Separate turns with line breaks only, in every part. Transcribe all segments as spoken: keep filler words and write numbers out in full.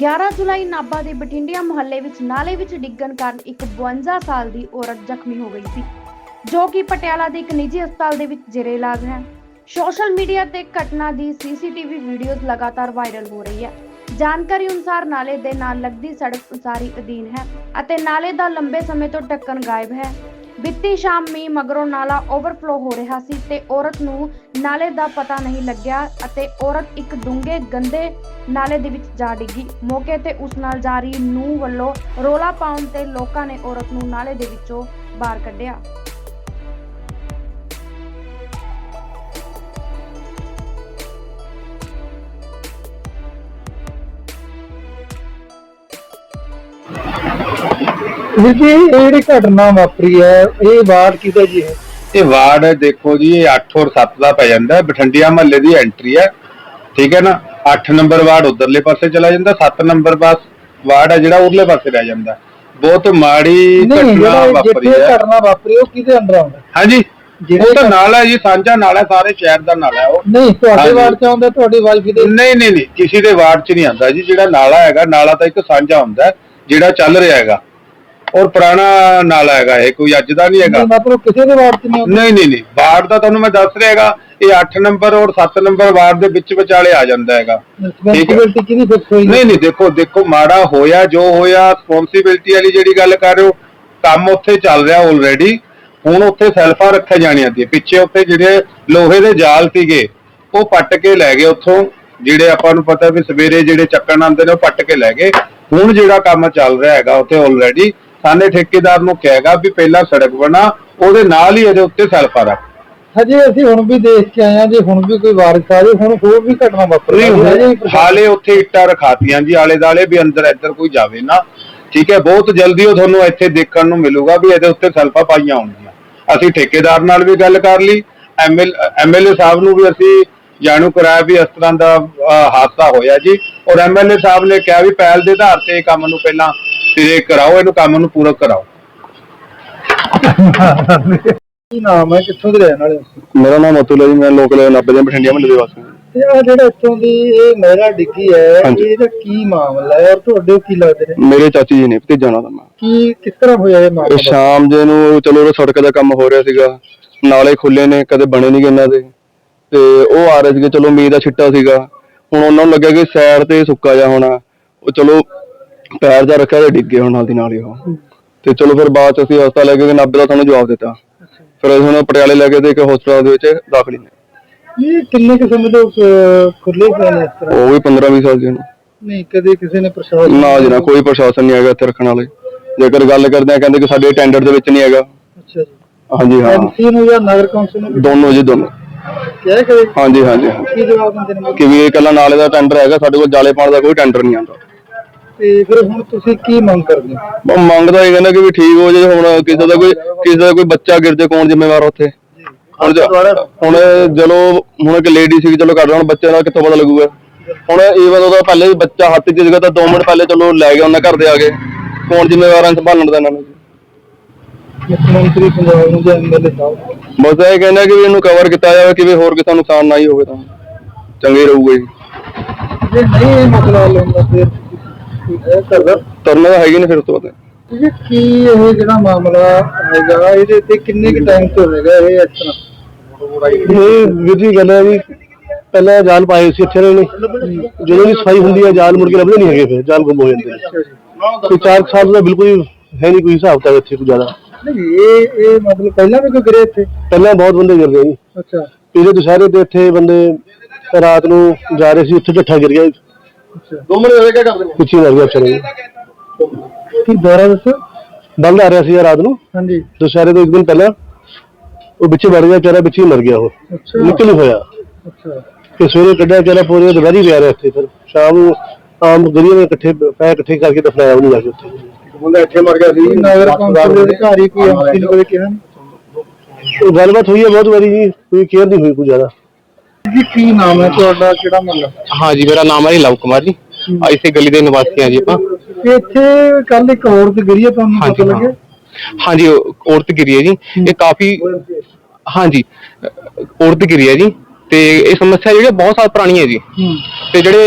ਗਿਆਰਾਂ ਜੁਲਾਈ ਨਾਭਾ ਦੇ ਬਠਿੰਡਿਆ ਮੁਹੱਲੇ ਵਿੱਚ ਨਾਲੇ ਵਿੱਚ ਡਿੱਗਣ ਕਾਰਨ ਇੱਕ ਬਵੰਜਾ ਸਾਲ ਦੀ ਔਰਤ ਜ਼ਖਮੀ ਹੋ ਗਈ ਸੀ, ਜੋ ਕਿ ਪਟਿਆਲਾ ਦੇ ਇੱਕ ਨਿੱਜੀ ਹਸਪਤਾਲ ਦੇ ਵਿੱਚ ਜੇਰੇ ਇਲਾਜ ਹੈ। ਸੋਸ਼ਲ ਮੀਡੀਆ ਤੇ ਘਟਨਾ ਦੀ ਸੀਸੀਟੀਵੀ ਵੀਡੀਓਜ਼ ਲਗਾਤਾਰ ਵਾਇਰਲ ਹੋ ਰਹੀ ਹੈ। ਜਾਣਕਾਰੀ ਅਨੁਸਾਰ ਨਾਲੇ ਦੇ ਨਾਲ ਲੱਗਦੀ ਸੜਕ ਉਸਾਰੀ ਅਧੀਨ ਹੈ ਅਤੇ ਨਾਲੇ ਦਾ ਲੰਬੇ ਸਮੇਂ ਤੋਂ ਢੱਕਣ ਗਾਇਬ ਹੈ। ਬੀਤੀ ਸ਼ਾਮ ਮੀਂਹ ਮਗਰੋਂ ਨਾਲਾ ਓਵਰਫਲੋ ਹੋ ਰਿਹਾ ਸੀ ਤੇ ਔਰਤ ਨੂੰ ਨਾਲੇ ਦਾ ਪਤਾ ਨਹੀਂ ਲੱਗਿਆ ਅਤੇ ਔਰਤ ਇੱਕ ਡੂੰਘੇ ਗੰਦੇ ਨਾਲੇ ਦੇ ਵਿੱਚ ਜਾ ਡਿੱਗੀ। ਮੌਕੇ ਤੇ ਉਸ ਨਾਲ ਜਾ ਰਹੀ ਨੂੰਹ ਵੱਲੋਂ ਰੋਲਾ ਪਾਉਣ ਤੇ ਲੋਕਾਂ ਨੇ ਔਰਤ ਨੂੰ ਨਾਲੇ ਦੇ ਵਿੱਚੋਂ ਬਾਹਰ ਕੱਢਿਆ।
जी घटना वापरी है ये वार्ड किदा जी है?
ये वार्ड देखो जी, ये अठ और सत्त का पै जाता है। बठिंडिया महल्ले की एंट्री है, ठीक है ना। अठ नंबर वार्ड उधरले पासे चला जाता, सत्त नंबर पास वार्ड है जिहड़ा उरले पासे रह जाता। बहुत माड़ी घटना वापरी है।
घटना वापरी है किदे अंदर आउंदा?
हां जी, वो तो नाला है जी, सांझा नाला, सारे शहर का नाला है। वो
नहीं तुहाडे वार्ड च आउंदा, तुहाडी वाइफ दे?
नहीं नहीं नहीं, किसी दे वार्ड च नहीं आंदा जी। जिहड़ा नाला हैगा, नाला तो एक सांझा हुंदा है जिहड़ा चल रहा हैगा, और पुराना नाला हैगा, ये कोई अज दा नहीं हैगा।
मतलब किसी दे वार्ड च नहीं?
नहीं नहीं नहीं, वार्ड दा तुहानू मैं दस रहा हैगा, ये अठ नंबर और सत्त नंबर वार्ड दे विच विचाले आ जांदा हैगा।
रिस्पांसिबिलिटी किहदी फिक्स होई?
नहीं नहीं, देखो देखो माड़ा होया जो होया, रिस्पांसिबिलिटी वाली जिहड़ी गल कर रहे हो, काम उत्थे चल रहा ऑलरेडी। हुण उत्थे सैल्फा रखे जाणियां सी, पिछे उत्थे जिहड़े लोहे दे जाल सीगे ਉਹ पट के लै गए उत्थों, ਜਿਹੜੇ ਆਪਾਂ ਨੂੰ ਪਤਾ ਵੀ ਸਵੇਰੇ ਜਿਹੜੇ ਚੱਕਣ ਆਉਂਦੇ ਨੇ ਉਹ ਪੱਟ ਕੇ ਲੈ ਗਏ। ਹੁਣ ਜਿਹੜਾ ਕੰਮ ਚੱਲ ਰਿਹਾ ਹੈਗਾ ਉੱਥੇ ਆਲਰੇਡੀ ਸਾਨੇ ਠੇਕੇਦਾਰ ਨੂੰ ਕਹੇਗਾ ਵੀ ਪਹਿਲਾਂ ਸੜਕ ਬਣਾ, ਉਹਦੇ ਨਾਲ ਹੀ ਇਹਦੇ ਉੱਤੇ ਸੈਲਫਾ ਰੱਖ।
ਹਜੇ ਅਸੀਂ ਹੁਣ ਵੀ ਦੇਖ ਕੇ ਆਏ ਆ ਜੀ, ਹੁਣ ਵੀ ਕੋਈ ਵਾਰਿਸ ਆ ਜੇ, ਹੁਣ ਹੋਰ ਵੀ ਘਟਨਾ ਵਾਪਰੀ ਹੈ।
ਹਾਲੇ ਉੱਥੇ ਇੱਟਾਂ ਰਖਾਤੀਆਂ ਜੀ ਆਲੇ ਦਾਲੇ ਵੀ ਅੰਦਰ ਇੱਧਰ ਕੋਈ ਜਾਵੇ ਨਾ, ਠੀਕ ਹੈ। ਬਹੁਤ ਜਲਦੀ ਉਹ ਤੁਹਾਨੂੰ ਇੱਥੇ ਦੇਖਣ ਨੂੰ ਮਿਲੂਗਾ ਵੀ ਇਹਦੇ ਉੱਤੇ ਸੈਲਫਾ ਪਾਈਆਂ ਹੋਣਗੀਆਂ। ਅਸੀਂ ਠੇਕੇਦਾਰ ਨਾਲ ਵੀ ਗੱਲ ਕਰ ਲਈ, ਐਮਐਲ ਐਮਐਲਏ ਸਾਹਿਬ ਨੂੰ ਵੀ ਅਸੀਂ ਜਾਣੂ ਕਰਾਇਆ ਵੀ ਇਸ ਤਰ੍ਹਾਂ ਦਾ ਹਾਦਸਾ ਹੋਇਆ ਜੀ, ਔਰ ਐਮਐਲਏ ਸਾਹਿਬ ਨੇ ਕਿਹਾ ਵੀ ਪਹਿਲ ਦੇ ਆਧਾਰ ਤੇ ਇਹ ਕੰਮ ਨੂੰ ਪਹਿਲਾਂ ਸਿਰੇ ਕਰਾਓ, ਇਹਨੂੰ ਕੰਮ ਨੂੰ ਪੂਰਾ ਕਰਾਓ।
ਕੀ ਨਾਮ ਹੈ, ਕਿੱਥੋਂ ਦੇ ਰਹਿਣ ਵਾਲੇ?
ਮੇਰਾ ਨਾਮ ਅਤੁਲ ਹੈ ਜੀ, ਮੈਂ ਲੋਕਲ ਨਾਭੇ ਦੇ ਬਠਿੰਡਿਆ ਮਹੱਲੇ ਦੇ ਵਾਸੀ ਹਾਂ।
ਤੇ ਆ ਜਿਹੜਾ ਇੱਥੋਂ ਦੀ ਇਹ ਮਹਿਲਾ ਡਿੱਗੀ ਹੈ, ਇਹਦਾ ਕੀ ਮਾਮਲਾ ਹੈ ਔਰ ਤੁਹਾਡੇ ਕੀ ਲੱਗਦੇ ਨੇ?
ਮੇਰੇ ਚਾਚੀ ਜੀ ਨੇ, ਭਤੀਜਾ ਨਾਲ ਦਾ ਮੈਂ।
ਕੀ ਕਿਸ ਤਰ੍ਹਾਂ ਹੋਇਆ ਇਹ ਮਾਮਲਾ?
ਸ਼ਾਮ ਜੇ ਨੂੰ ਚਲੋ ਉਹ ਸੜਕ ਦਾ ਕੰਮ ਹੋ ਰਿਹਾ ਸੀਗਾ, ਨਾਲੇ ਖੁੱਲੇ ਨੇ, ਕਦੇ ਬਣੇ ਨਹੀਂ ਇਹਨਾਂ ਦੇ, ਤੇ ਉਹ ਆ ਰਹੇ ਸੀਗੇ। ਚਲੋ ਮੀਂਹ ਦਾ ਛਿੱਟਾ ਸੀਗਾ, ਹੁਣ ਉਹਨਾਂ ਨੂੰ ਲੱਗਿਆ ਕਿ ਸਾਈਡ ਤੇ ਸੁੱਕਾ ਜਾ ਹੋਣਾ, ਉਹ ਚਲੋ ਪੈਰ ਜਾ ਰੱਖਿਆ ਤੇ ਡਿੱਗੇ ਹੁਣ ਨਾਲ ਦੀ ਨਾਲ ਹੀ ਉਹ। ਤੇ ਚਲੋ ਫਿਰ ਬਾਅਦ ਚ ਅਸੀਂ ਹਸਪਤਾਲ ਲੈ ਕੇ ਨਾਭੇ ਦਾ ਸਾਨੂੰ ਜਵਾਬ ਦਿੱਤਾ, ਫਿਰ ਅਸੀਂ ਹੁਣ ਪਟਿਆਲੇ ਲੈ ਕੇ ਤੇ ਇੱਕ ਹਸਪਤਾਲ ਦੇ ਵਿੱਚ ਦਾਖਲ ਨੇ।
ਇਹ ਕਿੰਨੇ ਕੁ ਸਮੇਂ ਤੋਂ ਖੁੱਲੇ ਪਏ ਨੇ ਇਸ ਤਰ੍ਹਾਂ?
ਉਹ ਵੀ ਪੰਦਰਾਂ ਵੀਹ ਸਾਲ ਜੀ।
ਨਹੀਂ ਕਦੇ ਕਿਸੇ ਨੇ ਪ੍ਰਸ਼ਾਸਨ?
ਨਾ ਜੀ ਨਾ, ਕੋਈ ਪ੍ਰਸ਼ਾਸਨ ਨਹੀਂ ਹੈਗਾ ਇੱਥੇ ਰੱਖਣ ਵਾਲੇ। ਜੇਕਰ ਗੱਲ ਕਰਦੇ ਆ ਕਹਿੰਦੇ ਕਿ ਸਾਡੇ ਟੈਂਡਰ ਦੇ ਵਿੱਚ ਨਹੀਂ ਹੈਗਾ।
ਅੱਛਾ ਜੀ।
ਹਾਂਜੀ ਹਾਂ,
ਐਮਸੀ ਨੂੰ ਜਾਂ ਨਗਰ ਕੌਂਸਲ ਨੂੰ?
ਦੋਨੋਂ ਜੀ ਦੋਨੋਂ।
ਕਿਹਾ ਕਦੇ?
ਹਾਂਜੀ ਹਾਂਜੀ।
ਕੀ ਜਵਾਬ ਦਿੰਦੇ ਨੇ
ਕਿ ਵੀ ਇਹ ਇਕੱਲਾ ਨਾਲੇ ਦਾ ਟੈਂਡਰ ਹੈਗਾ, ਸਾਡੇ ਕੋਲ ਜਾਲੇ ਪਾਉਣ ਦਾ ਕੋਈ ਟੈਂਡਰ ਨਹੀਂ ਆਉਂਦਾ।
ਤੇ ਫਿਰ ਹੁਣ ਤੁਸੀਂ ਕੀ ਮੰਗ ਕਰਦੇ ਹੋ?
ਮੰਗ ਤਾਂ ਇਹ ਕਹਿੰਦਾ ਕਿ ਵੀ ਠੀਕ ਹੋ ਜੇ। ਹੁਣ ਕਿਸੇ ਦਾ ਕੋਈ ਕਿਸੇ ਦਾ ਕੋਈ ਬੱਚਾ ਗਿਰ ਜੇ, ਕੌਣ ਜ਼ਿੰਮੇਵਾਰ ਉੱਥੇ? ਹੁਣ ਹੁਣ ਚਲੋ ਹੁਣ ਇੱਕ ਲੇਡੀ ਸੀ, ਚਲੋ ਕਰ ਹੁਣ ਬੱਚੇ ਦਾ ਕਿੱਥੋਂ ਪਤਾ ਲੱਗੂਗਾ? ਹੁਣ ਈਵਨ ਉਹਦਾ ਪਹਿਲੇ ਬੱਚਾ ਹੱਥ 'ਚ ਸੀਗਾ ਤਾਂ ਦੋ ਮਿੰਟ ਪਹਿਲੇ ਚਲੋ ਲੈ ਗਿਆ ਉਹਨਾਂ ਘਰ ਦੇ ਆ ਕੇ, ਕੌਣ ਜ਼ਿੰਮੇਵਾਰ ਹੈ ਸੰਭਾਲਣ ਦਾ ਇਹਨਾਂ ਨੂੰ?
ਮੁੱਖ ਮੰਤਰੀ ਪੰਜਾਬ ਨੂੰ ਜਾਂ ਐਮਐਲਏ ਸਾਹਿਬ?
ਬਸ ਇਹ ਕਹਿੰਦਾ ਕਿ ਵੀ ਇਹਨੂੰ ਕਵਰ ਕੀਤਾ ਜਾਵੇ ਕਿ ਵੀ ਹੋਰ ਕਿਸੇ ਨੂੰ ਨੁਕਸਾਨ ਨਾ ਹੀ ਹੋਵੇ ਤਾਂ ਚੰਗੇ ਰਹੂਗਾ ਜੀ।
ਜੇ ਨਹੀਂ ਇਹ ਮਸਲਾ ਹੱਲ ਹੁੰਦਾ ਫਿਰ
ਤਰਨਾ ਤਾਂ ਹੈਗੀ ਨੇ ਫਿਰ ਉਸ ਤੋਂ ਬਾਅਦ।
ਇਹ ਕੀ ਇਹ ਜਿਹੜਾ ਮਾਮਲਾ ਹੈਗਾ ਇਹਦੇ ਤੇ ਕਿੰਨੇ ਕੁ ਟਾਈਮ ਤੋਂ ਹੋਵੇਗਾ ਇਹ ਇਸ ਤਰ੍ਹਾਂ?
ਇਹ ਵੀਰ ਜੀ ਗੱਲ ਹੈ ਵੀ ਪਹਿਲਾਂ ਜਾਲ ਪਾਏ ਸੀ ਇੱਥੇ ਨੇ, ਜਦੋਂ ਵੀ ਸਫਾਈ ਹੁੰਦੀ ਹੈ ਜਾਲ ਮੁੜ ਕੇ ਲੱਭਦੇ ਨਹੀਂ ਹੈਗੇ, ਫਿਰ ਜਾਲ ਗੁੰਮ ਹੋ ਜਾਂਦੇ ਨੇ। ਕੋਈ ਚਾਰ ਸਾਲ ਦਾ ਬਿਲਕੁਲ ਹੈ ਨਹੀਂ ਕੋਈ ਹਿਸਾਬ ਤਾਂ ਇੱਥੇ ਕੋਈ ਜ਼ਿਆਦਾ
ਨਹੀਂ। ਇਹ ਇਹ ਮਤਲਬ ਪਹਿਲਾਂ ਵੀ ਕੋਈ ਗਿਰੇ ਇੱਥੇ?
ਪਹਿਲਾਂ ਬਹੁਤ ਬੰਦੇ ਗਿਰ ਗਏ ਜੀ।
ਅੱਛਾ।
ਪਿਛਲੇ ਦੁਸ਼ਹਿਰੇ ਤੇ ਇੱਥੇ ਬੰਦੇ ਰਾਤ ਨੂੰ ਜਾ ਰਹੇ ਸੀ, ਉੱਥੇ ਝੱਠਾ ਗਿਰ ਗਿਆ। ਦੋ ਮਿੰਟ ਹੋਏ ਕਿਆ ਕਰਦੇ ਨੇ, ਪਿੱਛੇ ਮਰ ਗਿਆ ਚਲੇ।
ਕੀ ਦੁਆਰਾ ਦੱਸੋ?
ਬੰਦ ਆ ਰਿਹਾ ਸੀ ਰਾਤ ਨੂੰ।
ਹਾਂਜੀ।
ਦੁਸ਼ਹਿਰੇ ਤੋਂ ਇੱਕ ਦਿਨ ਪਹਿਲਾਂ ਉਹ ਵਿੱਚੇ ਵੜ ਗਿਆ ਵਿਚਾਰਾ, ਵਿੱਚੇ ਮਰ ਗਿਆ, ਉਹ ਨਿਕਲ ਹੀ ਹੋਇਆ।
ਅੱਛਾ।
ਤੇ ਸਵੇਰੇ ਕੱਢਿਆ ਵਿਚਾਰਾ, ਪੂਰੇ ਦੁਪਹਿਰੀ ਪਿਆ ਰਿਹਾ ਇੱਥੇ। ਫਿਰ ਸ਼ਾਮ ਨੂੰ ਆਮ ਗਰੀਆਂ ਨੇ ਇਕੱਠੇ ਪੈ ਇਕੱਠੇ ਕਰਕੇ ਦਫਨਾਇਆ ਉਹਨੂੰ ਜਾ ਕੇ ਉੱਥੇ। ਬੰਦਾ ਇੱਥੇ ਮਰ ਗਿਆ ਸੀ।
ਨਗਰ ਕੌਂਸਲ ਦੇ ਅਧਿਕਾਰੀ ਕੋਈ ਐਮਸੀ ਨੂੰ ਕਦੇ ਕਿਹਾ?
ਉਹ ਗੱਲਬਾਤ ਹੋਈ ਹੈ ਬਹੁਤ ਵਾਰੀ ਜੀ, ਕੋਈ ਕੇਅਰ ਨਹੀਂ ਹੋਈ ਕੋਈ ਜ਼ਿਆਦਾ।
ਜੀ ਕੀ ਨਾਮ ਹੈ ਤੁਹਾਡਾ, ਕਿਹੜਾ ਮਹੱਲਾ?
हाँ जी, मेरा नाम है लव कुमार जी, इसी गली के निवासी हैं जी। आप
ਇੱਥੇ ਕੱਲ ਇੱਕ ਔਰਤ ਗਿਰੀ ਹੈ, ਤੁਹਾਨੂੰ ਪਤਾ ਲੱਗਿਆ?
हाँ जी, औरत गिरी है जी, ये काफी हाँ जी औरत गिरी है जी। ਤੇ ਇਹ ਸਮੱਸਿਆ ਜਿਹੜੀ ਬਹੁਤ ਸਾਲ ਪੁਰਾਣੀ ਹੈ ਜੀ। ਤੇ ਜਿਹੜੇ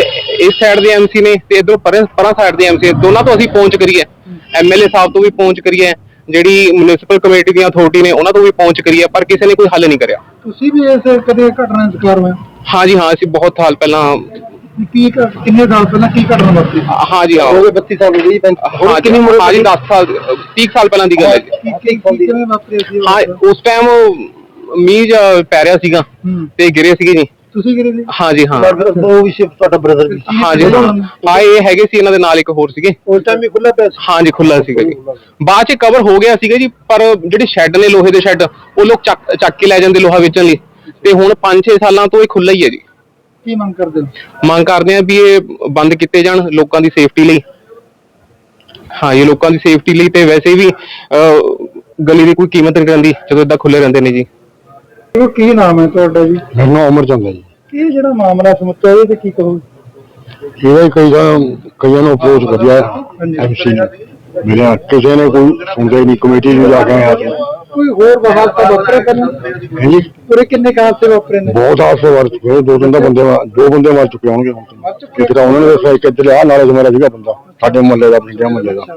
ਇਸ ਸਾਈਡ ਦੇ ਐਮਸੀ ਨੇ ਤੇ ਇਧਰੋਂ ਪਰੇ ਪਰਾਂ ਸਾਈਡ ਦੇ ਐਮਸੀ, ਦੋਨਾਂ ਤੋਂ ਅਸੀਂ ਪਹੁੰਚ ਕਰੀਏ, ਐਮਐਲਏ ਸਾਹਿਬ ਤੋਂ ਵੀ ਪਹੁੰਚ ਕਰੀਏ, ਜਿਹੜੀ ਮਿਊਨਿਸਪਲ ਕਮੇਟੀ ਦੀਆਂ ਅਥਾਰਟੀ ਨੇ ਉਹਨਾਂ ਤੋਂ ਵੀ ਪਹੁੰਚ ਕਰੀਏ, ਪਰ ਕਿਸੇ ਨੇ ਕੋਈ ਹੱਲ ਨਹੀਂ ਕਰਿਆ।
ਤੁਸੀਂ ਵੀ ਇਸ ਕਦੇ ਘਟਨਾ ਦਾ ਸ਼ਿਕਾਰ ਹੋਏ?
ਹਾਂਜੀ ਹਾਂ, ਅਸੀਂ ਬਹੁਤ ਸਾਲ ਪਹਿਲਾਂ,
ਕੀ ਕਿੰਨੇ ਸਾਲ ਪਹਿਲਾਂ ਕੀ ਘਟਨਾ ਵਾਪਰੀ?
ਹਾਂਜੀ ਹਾਂ,
ਹੋ ਗਏ ਬੱਤੀ ਸਾਲ ਹੋ ਗਏ।
ਹਾਂ ਕਿੰਨੀ ਉਮਰ? ਹਾਂਜੀ ਦਸ ਸਾਲ ਤੀਹ ਸਾਲ ਪਹਿਲਾਂ ਦੀ ਗੱਲ ਹੈ ਜੀ।
ਕਿਵੇਂ ਵਾਪਰੀ ਸੀ?
ਹਾਂ ਉਸ ਟਾਈਮ ਮੀਂਹ ਜਿਹਾ ਪੈ ਰਿਹਾ ਸੀਗਾ ਤੇ ਗਿਰੇ ਸੀਗੇ ਜੀ।
ਤੁਸੀਂ ਗਿਰੇ ਸੀ?
ਹਾਂਜੀ ਹਾਂ,
ਉਹ ਵੀ ਸੀ ਤੁਹਾਡਾ ਬ੍ਰਦਰ ਵੀ?
ਹਾਂਜੀ ਹਾਂ, ਇਹ ਹੈਗੇ ਸੀ, ਇਹਨਾਂ ਦੇ ਨਾਲ ਇੱਕ ਹੋਰ ਸੀਗੇ।
ਉਸ ਟਾਈਮ ਵੀ ਖੁੱਲਾ ਪਿਆ ਸੀ?
ਹਾਂਜੀ ਖੁੱਲਾ ਸੀਗਾ ਜੀ, ਬਾਅਦ ਚ ਕਵਰ ਹੋ ਗਿਆ ਸੀਗਾ ਜੀ, ਪਰ ਜਿਹੜੇ ਸ਼ੈੱਡ ਨੇ ਲੋਹੇ ਦੇ ਸ਼ੈੱਡ, ਉਹ ਲੋਕ ਚੱਕ ਚੱਕ ਕੇ ਲੈ ਜਾਂਦੇ ਲੋਹਾ ਵੇਚਣ ਲਈ, ਤੇ ਹੁਣ ਪੰਜ ਛੇ ਸਾਲਾਂ ਤੋਂ ਇਹ ਖੁੱਲਾ ਹੀ ਹੈ ਜੀ।
ਕੀ ਮੰਗ ਕਰਦੇ ਹੋ?
ਮੰਗ ਕਰਦੇ ਆ ਵੀ ਇਹ ਬੰਦ ਕੀਤੇ ਜਾਣ ਲੋਕਾਂ ਦੀ ਸੇਫਟੀ ਲਈ। ਹਾਂ ਇਹ ਲੋਕਾਂ ਦੀ ਸੇਫਟੀ ਲਈ, ਤੇ ਵੈਸੇ ਵੀ ਗਲੀ ਦੀ ਕੋਈ ਕੀਮਤ ਨਹੀਂ ਰਹਿੰਦੀ ਜਦੋਂ ਏਦਾਂ ਖੁੱਲੇ ਰਹਿੰਦੇ ਨੇ ਜੀ।
ਕੀ ਨਾਮ ਹੈ ਤੁਹਾਡਾ ਜੀ?
ਮੇਰਾ ਨਾਮ ਅਮਰ ਚੰਦ ਹੈ ਜੀ।
ਇਹ ਜਿਹੜਾ ਮਾਮਲਾ ਸਮੁੱਚਾ ਇਹਦੇ ਤੇ ਕੀ ਕਹੋ?
ਇਹਦਾ ਕਈ ਕਈਆਂ ਨੂੰ ਅਪਰੋਚ ਕਰਿਆ ਐਮਸੀ ਨੇ, ਮੇਰਾ ਕਿਸੇ ਨੇ ਕੋਈ ਸੁਣਦਾ ਹੀ ਨਹੀਂ। ਕਮੇਟੀ ਨੂੰ ਜਾ ਕੇ ਆਇਆ ਸੀ।
ਕੋਈ ਹੋਰ ਹਾਦਸਾ ਵਾਪਰਿਆ ਪਹਿਲਾਂ?
ਹਾਂਜੀ
ਪੂਰੇ ਕਿੰਨੇ ਹਾਦਸੇ ਵਾਪਰੇ ਨੇ?
ਬਹੁਤ ਹਾਦਸੇ ਵਾਰ ਚੁੱਕੇ, ਦੋ ਤਿੰਨ ਦਾ ਬੰਦੇ ਦੋ ਬੰਦੇ ਮਾਰ ਚੁੱਕੇ ਹੋਣਗੇ ਹੁਣ ਤੱਕ। ਇੱਕ ਤਾਂ ਉਹਨਾਂ ਨੇ ਦੱਸਿਆ, ਇੱਕ ਇੱਧਰ ਆ ਨਾਲੇ ਮੇਰਾ ਸੀਗਾ ਬੰਦਾ, ਸਾਡੇ ਮੁਹੱਲੇ ਦਾ, ਪਿੰਡਿਆ ਮੁਹੱਲੇ ਦਾ।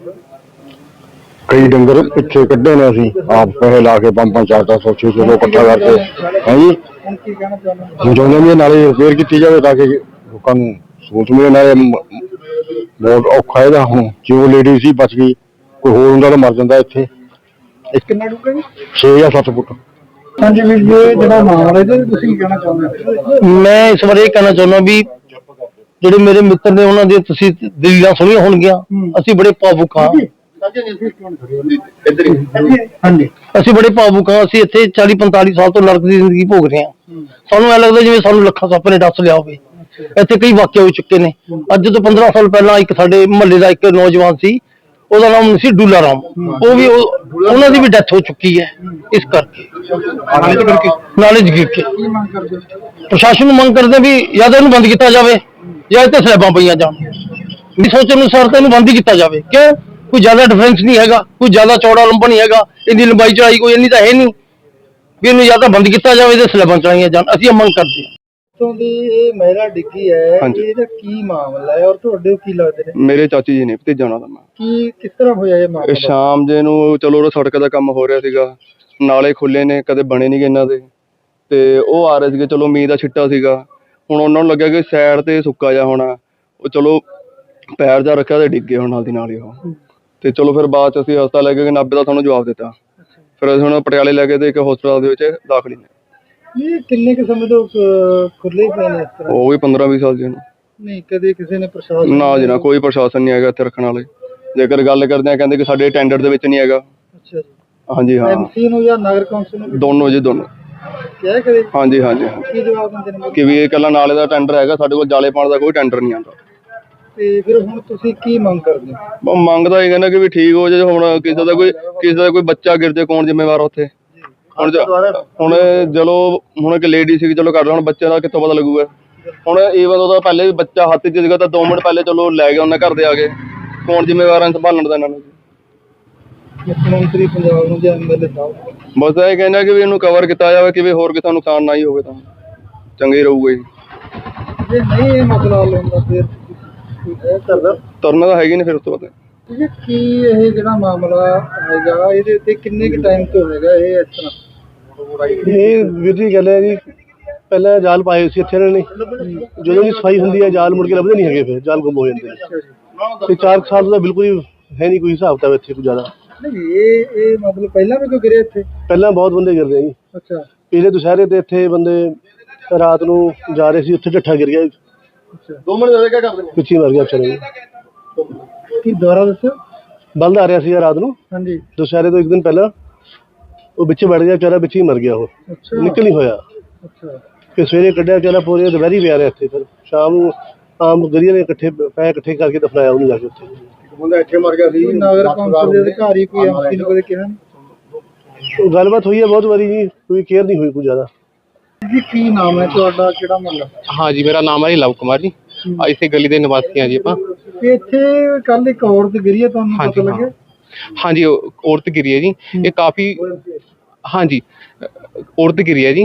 ਕਈ ਡੰਗਰ ਪਿੱਛੇ ਕੱਢੇ ਨੇ ਅਸੀਂ ਆਪ ਪੈਸੇ ਲਾ ਕੇ, ਪੰਜ ਪੰਜ ਚਾਰ ਚਾਰ ਸੌ ਛੇ ਸੌ ਲੋਕ ਇਕੱਠਾ ਕਰਕੇ। ਹਾਂਜੀ
ਹੁਣ ਕੀ ਕਹਿਣਾ ਚਾਹੁੰਦੇ?
ਹੁਣ ਚਾਹੁੰਦੇ ਵੀ ਇਹ ਨਾਲੇ ਰਿਪੇਅਰ ਕੀਤੀ ਜਾਵੇ ਤਾਂ ਕਿ ਲੋਕਾਂ ਨੂੰ ਸਹੂਲਤ ਮਿਲੇ। ਨਾਲੇ ਬਹੁਤ ਔਖਾ ਇਹਦਾ, ਹੁਣ ਜਿਉਂ ਲੇਡੀ ਸੀ ਬਚ ਗਈ, ਕੋਈ ਹੋਰ ਹੁੰਦਾ ਤਾਂ ਮਰ ਜਾਂਦਾ ਇੱਥੇ।
ਕਿੰਨਾ ਡੂੰਘਾ ਜੀ?
ਛੇ ਜਾਂ ਸੱਤ ਫੁੱਟ।
ਹਾਂਜੀ ਵੀਰ ਜੀ, ਇਹ ਜਿਹੜਾ ਮਾਮਲਾ ਇਹਦੇ ਤੁਸੀਂ ਕੀ ਕਹਿਣਾ ਚਾਹੁੰਦੇ?
ਮੈਂ ਇਸ ਬਾਰੇ ਇਹ ਕਹਿਣਾ ਚਾਹੁੰਦਾ ਵੀ ਜਿਹੜੇ ਮੇਰੇ ਮਿੱਤਰ ਨੇ ਉਹਨਾਂ ਦੀਆਂ ਤੁਸੀਂ ਦਲੀਲਾਂ ਸੁਣੀਆਂ ਹੋਣਗੀਆਂ। ਅਸੀਂ ਬੜੇ ਭਾਵੁਕ ਹਾਂ।
ਹਾਂਜੀ
ਅਸੀਂ ਬੜੇ ਭਾਵੁਕ ਹਾਂ। ਅਸੀਂ ਇੱਥੇ ਚਾਲੀ ਪੰਤਾਲੀ ਸਾਲ ਤੋਂ ਨਰਕ ਦੀ ਜ਼ਿੰਦਗੀ ਭੋਗ ਰਹੇ ਹਾਂ। ਸਾਨੂੰ ਐ ਲੱਗਦਾ ਜਿਵੇਂ ਸਾਨੂੰ ਲੱਖਾਂ ਸੱਪ ਨੇ ਡੱਸ ਲਿਆ ਹੋਵੇ। ਇੱਥੇ ਕਈ ਵਾਕਿਆ ਹੋ ਚੁੱਕੇ ਨੇ। ਅੱਜ ਤੋਂ ਪੰਦਰਾਂ ਸਾਲ ਪਹਿਲਾਂ ਇੱਕ ਸਾਡੇ ਮੁਹੱਲੇ ਦਾ ਇੱਕ ਨੌਜਵਾਨ ਸੀ, ਉਹਦਾ ਨਾਮ ਸੀ ਡੂਲਾ ਰਾਮ। ਉਹ ਵੀ ਉਹਨਾਂ ਦੀ ਵੀ ਡੈਥ ਹੋ ਚੁੱਕੀ ਹੈ। ਇਸ ਕਰਕੇ ਨਾਲੇ ਗਿਰ ਕੇ
ਕੀ ਮੰਗ ਕਰਦੇ ਹੋ?
ਪ੍ਰਸ਼ਾਸਨ ਨੂੰ ਮੰਗ ਕਰਦੇ ਵੀ ਜਾਂ ਤਾਂ ਇਹਨੂੰ ਬੰਦ ਕੀਤਾ ਜਾਵੇ ਜਾਂ ਇੱਥੇ ਸਲੈਬਾਂ ਪਈਆਂ ਜਾਣ। ਮੇਰੀ ਸੋਚ ਅਨੁਸਾਰ ਤਾਂ ਇਹਨੂੰ ਬੰਦ ਹੀ ਕੀਤਾ ਜਾਵੇ। ਕਿਉਂ? ਕੋਈ ਜ਼ਿਆਦਾ ਡਿਫਰੈਂਸ ਨਹੀਂ ਹੈਗਾ, ਕੋਈ ਜ਼ਿਆਦਾ ਚੌੜਾ ਲੰਬਾ ਨਹੀਂ ਹੈਗਾ, ਇਹਦੀ ਲੰਬਾਈ ਚੌੜਾਈ ਕੋਈ ਇੰਨੀ ਤਾਂ ਹੈ ਨਹੀਂ ਵੀ ਇਹਨੂੰ ਜਾਂ ਤਾਂ ਬੰਦ ਕੀਤਾ ਜਾਵੇ ਤੇ ਸਲੈਬਾਂ ਚੜਾਈਆਂ ਜਾਣ। ਅਸੀਂ ਇਹ ਮੰਗ ਕਰਦੇ ਹਾਂ।
ਤੋਂ ਦੀ ਇਹ ਮਹਿਲਾ ਡਿੱਗੀ ਹੈ, ਇਹਦਾ ਕੀ ਮਾਮਲਾ ਹੈ ਔਰ ਤੁਹਾਡੇ ਕੀ ਲੱਗਦੇ ਨੇ?
ਮੇਰੇ ਚਾਚੀ ਜੀ ਨੇ ਭਤੀਜਾ ਉਹਨਾਂ ਦਾ। ਮੈਂ
ਕੀ ਕਿਸ ਤਰ੍ਹਾਂ ਹੋਇਆ ਇਹ ਮਾਮਲਾ?
ਸ਼ਾਮ ਜੇ ਨੂੰ ਚਲੋ ਉਹ ਸੜਕ ਦਾ ਕੰਮ ਹੋ ਰਿਹਾ ਸੀਗਾ, ਨਾਲੇ ਖੁੱਲੇ ਨੇ, ਕਦੇ ਬਣੇ ਨਹੀਂ ਇਹਨਾਂ ਦੇ, ਤੇ ਉਹ ਆ ਰਹੇ ਸੀਗੇ। ਚਲੋ ਮੀਂਹ ਦਾ ਛਿੱਟਾ ਸੀਗਾ, ਹੁਣ ਉਹਨਾਂ ਨੂੰ ਲੱਗਿਆ ਕਿ ਸਾਈਡ ਤੇ ਸੁੱਕਾ ਜਾ ਹੋਣਾ, ਉਹ ਚਲੋ ਪੈਰ ਜਾ ਰੱਖਿਆ ਤੇ ਡਿੱਗੇ ਹੁਣ ਨਾਲ ਦੀ ਨਾਲ ਹੀ ਉਹ। ਤੇ ਚਲੋ ਫਿਰ ਬਾਅਦ ਚ ਅਸੀਂ ਹਸਪਤਾਲ ਲੈ ਕੇ ਨਾਭੇ ਦਾ ਤੁਹਾਨੂੰ ਜਵਾਬ ਦਿੱਤਾ। ਫਿਰ ਅਸੀਂ ਹੁਣ ਪਟਿਆਲੇ ਲੈ ਕੇ ਤੇ ਇੱਕ ਹਸਪਤਾਲ ਦੇ ਵਿੱਚ ਦਾਖਲ ਨੇ।
ਇਹ ਕਿੰਨੇ ਕੁ ਸਮੇਂ ਤੋਂ ਖੁੱਲੇ ਪਏ ਨੇ ਇਸ ਤਰ੍ਹਾਂ?
ਉਹ ਵੀ ਪੰਦਰਾਂ ਵੀਹ ਸਾਲ ਜੀ ਨੂੰ।
ਨਹੀਂ ਕਦੇ ਕਿਸੇ ਨੇ ਪ੍ਰਸ਼ਾਸਨ?
ਨਾ ਜੀ ਨਾ, ਕੋਈ ਪ੍ਰਸ਼ਾਸਨ ਨਹੀਂ ਹੈਗਾ ਇੱਥੇ ਰੱਖਣ ਵਾਲੇ। ਜੇਕਰ ਗੱਲ ਕਰਦੇ ਆ ਕਹਿੰਦੇ ਕਿ ਸਾਡੇ ਟੈਂਡਰ ਦੇ ਵਿੱਚ ਨਹੀਂ ਹੈਗਾ।
ਅੱਛਾ ਜੀ।
ਹਾਂਜੀ ਹਾਂ,
ਐਮਸੀ ਨੂੰ ਜਾਂ ਨਗਰ ਕੌਂਸਲ ਨੂੰ?
ਦੋਨੋਂ ਜੀ ਦੋਨੋਂ।
ਕਿਹਾ ਕਦੇ?
ਹਾਂਜੀ ਹਾਂਜੀ
ਕੀ ਜਵਾਬ ਦਿੰਦੇ ਨੇ?
ਕਿ ਵੀ ਇਹ ਇਕੱਲਾ ਨਾਲੇ ਦਾ ਟੈਂਡਰ ਹੈਗਾ, ਸਾਡੇ ਕੋਲ ਜਾਲੇ ਪਾਉਣ ਦਾ ਕੋਈ ਟੈਂਡਰ ਨਹੀਂ ਆਉਂਦਾ।
ਤੇ ਫਿਰ ਹੁਣ ਤੁਸੀਂ ਕੀ ਮੰਗ ਕਰਦੇ ਹੋ?
ਮੰਗਦਾ ਇਹ ਕਹਿੰਦਾ ਕਿ ਵੀ ਠੀਕ ਹੋ ਜਾਏ। ਹੁਣ ਕਿਸੇ ਦਾ ਕੋਈ ਕਿਸੇ ਦਾ ਕੋਈ ਬੱਚਾ ਗਿਰ ਜਾਏ, ਕੌਣ ਜ਼ਿੰਮੇਵਾਰ ਉੱਥੇ? ਹੁਣ ਹੁਣ ਚਲੋ ਹੁਣ ਇੱਕ ਲੇਡੀ ਸੀ, ਚਲੋ ਕਰ ਲਾ, ਹੁਣ ਬੱਚੇ ਦਾ ਕਿੱਥੋਂ ਪਤਾ ਲੱਗੂਗਾ? ਹੁਣ ਈਵਨ ਉਹਦਾ ਪਹਿਲੇ ਵੀ ਬੱਚਾ ਹੱਥ 'ਚ ਸੀਗਾ ਤਾਂ ਦੋ ਮਿੰਟ ਪਹਿਲੇ ਚਲੋ ਲੈ ਗਿਆ ਉਹਨਾਂ ਘਰ ਦੇ ਆ ਕੇ, ਕੌਣ ਜ਼ਿੰਮੇਵਾਰ ਹੈ ਸੰਭਾਲਣ ਦਾ ਇਹਨਾਂ ਨੂੰ?
ਮੁੱਖ ਮੰਤਰੀ ਪੰਜਾਬ ਨੂੰ ਜਾਂ ਐਮਐਲਏ ਸਾਹਿਬ?
ਬਸ ਇਹ ਕਹਿੰਦਾ ਕਿ ਵੀ ਇਹਨੂੰ ਕਵਰ ਕੀਤਾ ਜਾਵੇ ਕਿ ਵੀ ਹੋਰ ਕਿਸੇ ਦਾ ਨੁਕਸਾਨ ਨਾ ਹੀ ਹੋਵੇ ਤਾਂ ਚੰਗੀ ਰਹੂਗਾ ਜੀ।
ਜੇ ਨਹੀਂ ਇਹ ਮਸਲਾ ਹੱਲ ਹੁੰਦਾ ਫਿਰ ਇਹ ਕਰਦਾ
ਤੁਰਨਾ ਤਾਂ ਹੈਗੀ ਨਹੀਂ ਫਿਰ ਉਸ ਤੋਂ ਬਾਅਦ।
ਇਹ ਕੀ ਇਹ ਜਿਹੜਾ ਮਾਮਲਾ ਹੈਗਾ ਇਹਦੇ ਉੱਤੇ ਕਿੰਨੇ ਕੁ ਟਾਈਮ ਤੋਂ ਹੈਗਾ ਇਹ ਇਸ ਤਰ੍ਹਾਂ?
ਇਹ ਵੀਰ ਜੀ ਗੱਲ ਹੈ ਜੀ, ਪਹਿਲਾਂ ਜਾਲ ਪਾਏ ਸੀ ਇੱਥੇ ਇਹਨਾਂ ਨੇ, ਜਦੋਂ ਵੀ ਸਫਾਈ ਹੁੰਦੀ ਹੈ ਜਾਲ ਮੁੜ ਕੇ ਲੱਭਦੇ ਨਹੀਂ ਹੈਗੇ, ਫਿਰ ਜਾਲ ਗੁੰਮ ਹੋ ਜਾਂਦੇ ਨੇ। ਤੇ ਚਾਰ ਸਾਲ ਦਾ ਬਿਲਕੁਲ ਹੀ ਹੈ ਨਹੀਂ ਕੋਈ ਹਿਸਾਬ ਤਾਂ ਇੱਥੇ ਕੋਈ ਜ਼ਿਆਦਾ।
ਨਹੀਂ ਇਹ ਇਹ ਮਤਲਬ ਪਹਿਲਾਂ ਵੀ ਕੋਈ ਗਿਰੇ ਇੱਥੇ?
ਪਹਿਲਾਂ ਬਹੁਤ ਬੰਦੇ ਗਿਰਦੇ ਆ ਜੀ।
ਅੱਛਾ।
ਪਿਛਲੇ ਦੁਸ਼ਹਿਰੇ ਤੇ ਇੱਥੇ ਬੰਦੇ ਰਾਤ ਨੂੰ ਜਾ ਰਹੇ ਸੀ, ਉੱਥੇ ਢੱਠਾ ਗਿਰ ਗਿਆ।
ਦੋ ਮਿੰਟ ਜ਼ਿਆਦਾ ਕਿਆ ਕਰਦੇ ਨੇ?
ਪਿੱਛੇ ਮਰ ਗਿਆ ਚਲੇ।
ਕੀ ਦੁਬਾਰਾ ਦੱਸੋ?
ਬਲਦ ਆ ਰਿਹਾ ਸੀ ਰਾਤ ਨੂੰ,
ਹਾਂਜੀ।
ਦੁਸ਼ਹਿਰੇ ਤੋਂ ਇੱਕ ਦਿਨ ਪਹਿਲਾਂ ਉਹ ਵਿੱਚ ਵੜ ਗਿਆ ਵਿਚਾਰਾ, ਵਿੱਚ ਹੀ ਮਰ ਗਿਆ। ਉਹ ਨਿਕਲ ਨਹੀਂ ਹੋਇਆ।
ਅੱਛਾ।
ਫਿਰ ਸਵੇਰੇ ਕੱਢਿਆ ਵਿਚਾਰਾ, ਪੂਰੇ ਦੁਪਹਿਰੀ ਪਿਆ ਰਿਹਾ ਇੱਥੇ। ਫਿਰ ਸ਼ਾਮ ਨੂੰ ਆਮ ਗਰੀਆਂ ਨੇ ਇਕੱਠੇ ਪੈ ਇਕੱਠੇ ਕਰਕੇ ਦਫਨਾਇਆ ਉਹਨੂੰ ਜਾ ਕੇ ਉੱਥੇ।
ਬੰਦਾ ਇੱਥੇ ਮਰ ਗਿਆ ਸੀ। ਨਗਰ ਕੌਂਸਲ ਦੇ ਅਧਿਕਾਰੀ ਕੋਈ ਐਮਸੀ ਨੂੰ ਕਦੇ ਕਿਹਾ?
ਉਹ ਗੱਲਬਾਤ ਹੋਈ ਹੈ ਬਹੁਤ ਵਾਰੀ ਜੀ, ਕੋਈ ਕੇਅਰ ਨਹੀਂ ਹੋਈ ਕੋਈ ਜ਼ਿਆਦਾ।
ਜੀ ਕੀ ਨਾਮ ਹੈ ਤੁਹਾਡਾ, ਕਿਹੜਾ ਮਹੱਲਾ?
ਹਾਂ ਜੀ, ਮੇਰਾ ਨਾਮ ਹੈ ਲਵ ਕੁਮਾਰ ਜੀ। ਇਸੇ ਗਲੀ ਦੇ ਨਿਵਾਸੀ ਹਾਂ ਜੀ ਆਪਾਂ।
ਇੱਥੇ ਕੱਲ ਇੱਕ ਔਰਤ ਗਿਰੀ ਹੈ, ਤੁਹਾਨੂੰ ਪਤਾ ਲੱਗਿਆ?
ਹਾਂਜੀ, ਔਰਤ ਗਿਰੀ ਹੈ ਜੀ। ਇਹ ਕਾਫੀ ਹਾਂਜੀ ਔਰਤ ਗਿਰੀ ਹੈ ਜੀ,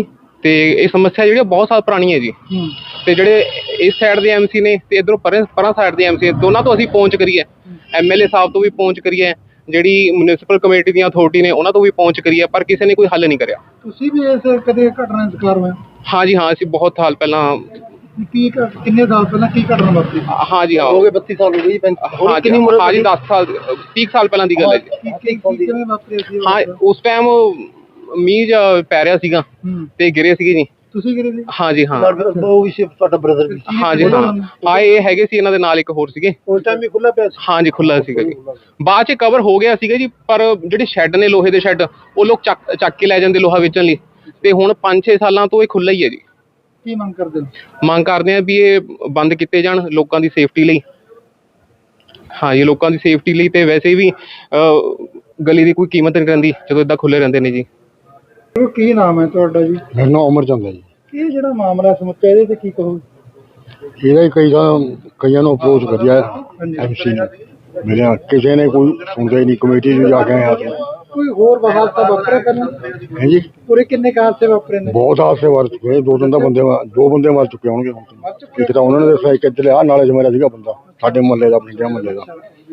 ਤੇ ਇਹ ਸਮੱਸਿਆ ਜਿਹੜੀ ਆ ਬਹੁਤ ਸਾਲ ਪੁਰਾਣੀ ਹੈ ਜੀ। ਤੇ ਜਿਹੜੇ ਇਸ ਸਾਈਡ ਦੇ ਐਮਸੀ ਨੇ ਤੇ ਇਧਰੋਂ ਪਰਾਂ ਪਰਾਂ ਸਾਈਡ ਦੇ ਐਮਸੀ ਦੋਨਾਂ ਤੋਂ ਅਸੀਂ ਪਹੁੰਚ ਕਰੀ ਹੈ, ਐਮਐਲਏ ਸਾਹਿਬ ਤੋਂ ਵੀ ਪਹੁੰਚ ਕਰੀ ਹੈ, ਜਿਹੜੀ ਮਿਊਨਿਸਪਲ ਕਮੇਟੀ ਦੀਆਂ ਅਥਾਰਟੀ ਨੇ ਉਹਨਾਂ ਤੋਂ ਵੀ ਪਹੁੰਚ ਕਰੀ ਹੈ, ਪਰ ਕਿਸੇ ਨੇ ਕੋਈ ਹੱਲ ਨਹੀਂ ਕਰਿਆ।
ਤੁਸੀਂ ਵੀ ਇਸ ਕਦੇ ਘਟਨਾ ਦਾ ਸ਼ਿਕਾਰ ਹੋਏ?
ਹਾਂ ਜੀ ਹਾਂ, ਅਸੀਂ ਬਹੁਤ ਸਾਲ ਪਹਿਲਾਂ
ਕੀ ਘਟ- ਕਿੰਨੇ ਸਾਲ ਪਹਿਲਾਂ ਕੀ ਘਟਨਾ ਵਾਪਰੀ?
ਹਾਂ ਜੀ ਹਾਂ
ਹੋ ਗਏ ਬੱਤੀ ਸਾਲ ਹੋ ਗਏ ਜੀ ਪੈਂਤੀ
ਹਾਂ ਜੀ
ਕਿੰਨੀ ਉਮਰ
ਹਾਂ ਜੀ ਦਸ ਸਾਲ ਤੀਹ ਸਾਲ ਪਹਿਲਾਂ ਦੀ ਗੱਲ ਹੈ ਜੀ।
ਕੀ ਕੀ ਕੀ- ਕਿਵੇਂ ਵਾਪਰੀ ਸੀ?
ਹਾਂ ਉਸ ਟਾਈਮ ਮੀਂਹ ਜਿਹਾ ਪੈ ਰਿਹਾ ਸੀਗਾ
ਹੂੰ।
ਤੇ ਗਿਰੇ ਸੀਗੇ ਜੀ।
ਤੁਸੀਂ ਕਿਹੜੇ ਸੀ?
ਹਾਂ ਜੀ ਹਾਂ
ਉਹ ਵੀ ਸੀ ਤੁਹਾਡਾ ਬ੍ਰਦਰ ਵੀ ਸੀ।
ਹਾਂ ਜੀ ਹਾਂ ਹਾਂ ਇਹ ਹੈਗੇ ਸੀ, ਇਹਨਾਂ ਦੇ ਨਾਲ ਇੱਕ ਹੋਰ ਸੀਗੇ।
ਉਸ ਟਾਈਮ ਵੀ ਖੁੱਲਾ ਪਿਆ ਸੀ?
ਹਾਂ ਜੀ ਖੁੱਲਾ ਸੀਗਾ ਜੀ, ਬਾਅਦ ਚ ਕਵਰ ਹੋ ਗਿਆ ਸੀਗਾ ਜੀ, ਪਰ ਜਿਹੜੇ ਸ਼ੈੱਡ ਨੇ ਲੋਹੇ ਦੇ ਸ਼ੈੱਡ ਉਹ ਲੋਕ ਚੱਕ ਚੱਕ ਕੇ ਲੈ ਜਾਂਦੇ ਲੋਹਾ ਵੇਚਣ ਲਈ, ਤੇ ਹੁਣ ਪੰਜ ਛੇ ਸਾਲਾਂ ਤੋਂ ਇਹ ਖੁੱਲਾ ਹੀ ਹੈ ਜੀ।
ਕੀ ਮੰਗ ਕਰਦੇ ਹੋ?
ਮੰਗ ਕਰਦੇ ਆ ਵੀ ਇਹ ਬੰਦ ਕੀਤੇ ਜਾਣ ਲੋਕਾਂ ਦੀ ਸੇਫਟੀ ਲਈ। ਹਾਂ ਜੀ ਲੋਕਾਂ ਦੀ ਸੇਫਟੀ ਲਈ, ਤੇ ਵੈਸੇ ਵੀ ਅਹ, ਗਲੀ ਦੀ ਕੋਈ ਕੀਮਤ ਨਹੀਂ ਰਹਿੰਦੀ ਜਦੋਂ ਏਦਾਂ ਖੁੱਲੇ ਰਹਿੰਦੇ ਨੇ ਜੀ।
ਕੀ ਨਾਮ ਹੈ ਤੁਹਾਡਾ ਜੀ?
ਮੇਰਾ ਨਾਮ ਅਮਰਚੰਦ ਹੈ ਜੀ।
ਇਹ ਜਿਹੜਾ ਮਾਮਲਾ ਸਮੁੱਚਾ ਇਹਦੇ ਤੇ ਕੀ ਕਹੋ?
ਇਹਦਾ ਹੀ ਕਈ ਤਾਂ ਕਈਆਂ ਨੂੰ ਅਪਰੋਚ ਕਰਿਆ ਐਮਸੀ ਨੇ, ਮੇਰੇ ਕਿਸੇ ਨੇ ਕੋਈ ਸੁਣਦਾ ਹੀ ਨਹੀਂ। ਕਮੇਟੀ ਨੂੰ ਜਾ ਕੇ ਆਇਆ ਸੀ।
ਕੋਈ ਹੋਰ ਹਾਦਸਾ ਵਾਪਰਿਆ ਕਰਨਾ?
ਹੈ ਜੀ
ਪੂਰੇ ਕਿੰਨੇ ਹਾਦਸੇ ਵਾਪਰੇ ਨੇ?
ਬਹੁਤ ਹਾਦਸੇ ਵਾਰ ਚੁੱਕੇ ਨੇ, ਦੋ ਤਿੰਨ ਤਾਂ ਬੰਦੇ ਮਰ- ਦੋ ਬੰਦੇ ਮਰ ਚੁੱਕੇ ਹੋਣਗੇ ਹੁਣ ਤਾਂ। ਇੱਕ ਤਾਂ ਉਹਨਾਂ ਨੇ ਦੱਸਿਆ, ਇੱਕ ਇੱਧਰ ਆ ਨਾਲੇ 'ਚ ਮੇਰਾ ਸੀਗਾ ਬੰਦਾ, ਸਾਡੇ ਮੁਹੱਲੇ ਦਾ, ਪਿੰਡਿਆ ਮੁਹੱਲੇ ਦਾ।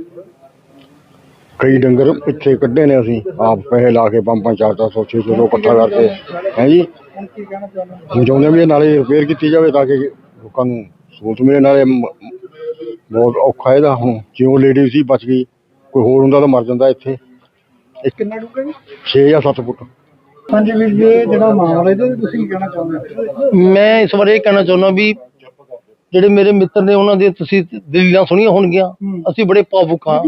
ਕਈ ਡੰਗਰ ਪਿੱਛੇ ਕੱਢੇ ਨੇ ਅਸੀਂ ਆਪ ਪੈਸੇ ਲਾ ਕੇ, ਪੰਜ ਪੰਜ ਚਾਰ ਚਾਰ ਸੌ ਛੇ ਸੌ ਇਕੱਠਾ ਕਰਕੇ। ਹੈ ਜੀ
ਹੁਣ ਕੀ ਕਹਿਣਾ ਚਾਹੁੰਦੇ ਹੋ?
ਹੁਣ ਚਾਹੁੰਦੇ ਵੀ ਇਹ ਨਾਲੇ ਰਿਪੇਅਰ ਕੀਤੀ ਜਾਵੇ ਤਾਂ ਕਿ ਲੋਕਾਂ ਨੂੰ ਸਹੂਲਤ ਮਿਲੇ। ਨਾਲੇ ਮ- ਬਹੁਤ ਔਖਾ ਇਹਦਾ, ਹੁਣ ਜਿਉਂ ਲੇਡੀ ਸੀ ਬਚ ਗਈ, ਕੋਈ ਹੋਰ ਹੁੰਦਾ ਤਾਂ ਮਰ ਜਾਂਦਾ ਇੱਥੇ।
ਕਿੰਨਾ ਡੂੰਘਾ ਜੀ?
ਛੇ ਜਾਂ ਸੱਤ ਫੁੱਟ।
ਹਾਂਜੀ ਵੀਰ ਜੀ, ਇਹ ਜਿਹੜਾ ਮਾਮਲਾ ਇਹਦੇ ਤੇ ਤੁਸੀਂ ਕੀ ਕਹਿਣਾ ਚਾਹੁੰਦੇ ਹੋ?
ਮੈਂ ਇਸ ਬਾਰੇ ਇਹ ਕਹਿਣਾ ਚਾਹੁੰਦਾ ਵੀ ਜਿਹੜੇ ਮੇਰੇ ਮਿੱਤਰ ਨੇ ਉਹਨਾਂ ਦੇ ਤੁਸੀਂ ਦਲੀਲਾਂ ਸੁਣੀਆਂ ਹੋਣਗੀਆਂ। ਅਸੀਂ ਬੜੇ ਭਾਵੁਕ ਹਾਂ,